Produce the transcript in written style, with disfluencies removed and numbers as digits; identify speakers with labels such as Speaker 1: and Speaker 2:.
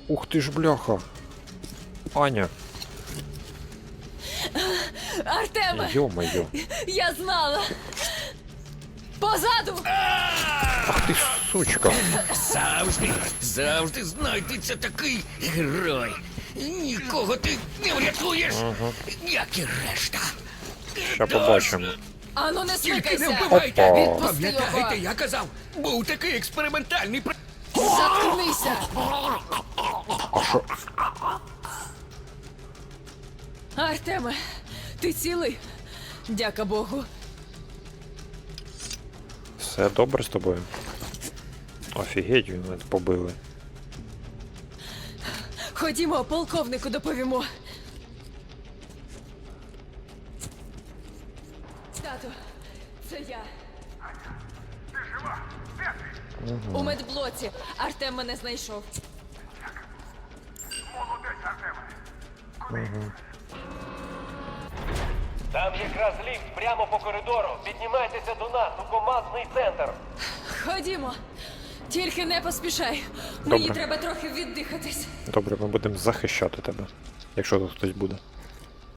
Speaker 1: Ух ти ж, бляха. Аня.
Speaker 2: Артеме,
Speaker 1: Йо-моє.
Speaker 2: я знала. Позаду!
Speaker 1: Ах ти сучка.
Speaker 3: Завжди знайдеться такий герой. Нікого ти не врятуєш, як і решта.
Speaker 1: Ще побачимо.
Speaker 2: Ану, не
Speaker 3: Тільки не
Speaker 2: смикайся!
Speaker 3: вбивайте!
Speaker 1: Опа.
Speaker 3: Пам'ятаєте, я казав, був такий експериментальний
Speaker 2: Заткнися!
Speaker 1: А що?
Speaker 2: Артеме, ти цілий? Дяка Богу.
Speaker 1: Все добре з тобою? Офігеть, він мене побили.
Speaker 2: Ходімо, полковнику доповімо. Тату, це я.
Speaker 4: Ти жива? Де ти?
Speaker 2: У медблоці. Артем мене знайшов.
Speaker 4: Молодець, Артеме.
Speaker 5: Там якраз ліфт прямо по коридору. Піднімайтеся до нас у командний центр.
Speaker 2: Ходімо. Тільки не поспішай.
Speaker 1: Добре.
Speaker 2: Мені треба трохи віддихатись.
Speaker 1: Добре, ми будемо захищати тебе, якщо тут хтось буде.